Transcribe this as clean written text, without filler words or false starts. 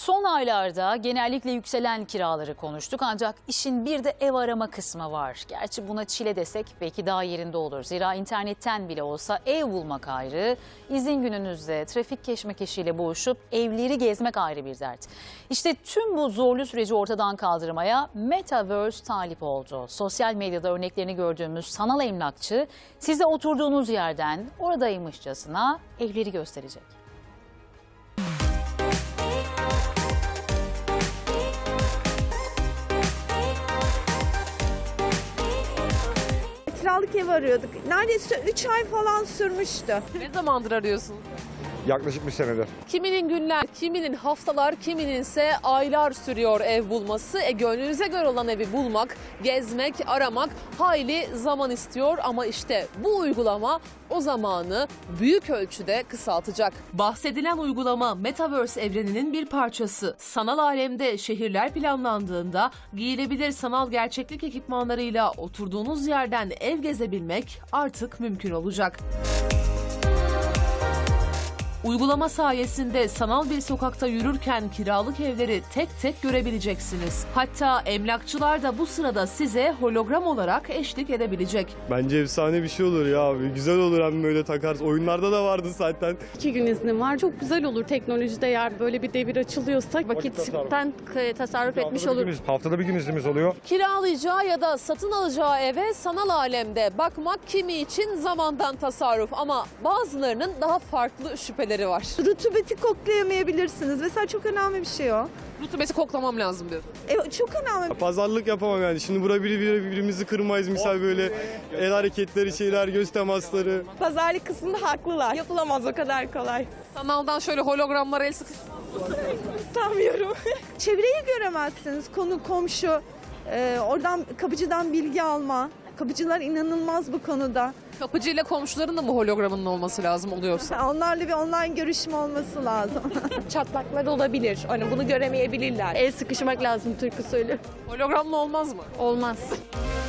Son aylarda genellikle yükselen kiraları konuştuk ancak işin bir de ev arama kısmı var. Gerçi buna çile desek belki daha yerinde olur. Zira internetten bile olsa ev bulmak ayrı, izin gününüzde trafik keşmekeşiyle boğuşup evleri gezmek ayrı bir dert. İşte tüm bu zorlu süreci ortadan kaldırmaya Metaverse talip oldu. Sosyal medyada örneklerini gördüğümüz sanal emlakçı size oturduğunuz yerden oradaymışçasına evleri gösterecek. Kiralık ev arıyorduk. Neredeyse 3 ay falan sürmüştü. Ne zamandır arıyorsunuz? Yaklaşık bir senedir. Kiminin günler, kiminin haftalar, kiminin ise aylar sürüyor ev bulması. Gönlünüze göre olan evi bulmak, gezmek, aramak hayli zaman istiyor ama işte bu uygulama o zamanı büyük ölçüde kısaltacak. Bahsedilen uygulama Metaverse evreninin bir parçası. Sanal alemde şehirler planlandığında giyilebilir sanal gerçeklik ekipmanlarıyla oturduğunuz yerden ev gezebilmek artık mümkün olacak. Uygulama sayesinde sanal bir sokakta yürürken kiralık evleri tek tek görebileceksiniz. Hatta emlakçılar da bu sırada size hologram olarak eşlik edebilecek. Bence efsane bir şey olur ya abi. Güzel olur hem böyle takarız. Oyunlarda da vardı zaten. 2 gün iznim var. Çok güzel olur teknolojide eğer böyle bir devir açılıyorsa vakitten tasarruf etmiş olur. Haftada bir gün iznimiz oluyor. Kiralayacağı ya da satın alacağı eve sanal alemde bakmak kimi için zamandan tasarruf ama bazılarının daha farklı şüpheleri var. Rutubeti koklayamayabilirsiniz. Mesela çok önemli bir şey o. Rutubeti koklamam lazım diyor. Çok önemli. Pazarlık yapamam yani. Şimdi burada birbirimizi kırmayız. Misal böyle el hareketleri, şeyler, göz temasları. Pazarlık kısmında haklılar. Yapılamaz o kadar kolay. Sanaldan şöyle hologramlara el sıkıştırmak. Sanmıyorum. Çevreyi göremezsiniz. Konu, komşu. Oradan kapıcıdan bilgi alma. Kapıcılar inanılmaz bu konuda. Kapıcıyla komşuların da mı hologramının olması lazım oluyorsa? Onlarla bir online görüşme olması lazım. Çatlaklar olabilir. Hani bunu göremeyebilirler. El sıkışmak lazım türkü söylüyor. Hologramla olmaz mı? Olmaz.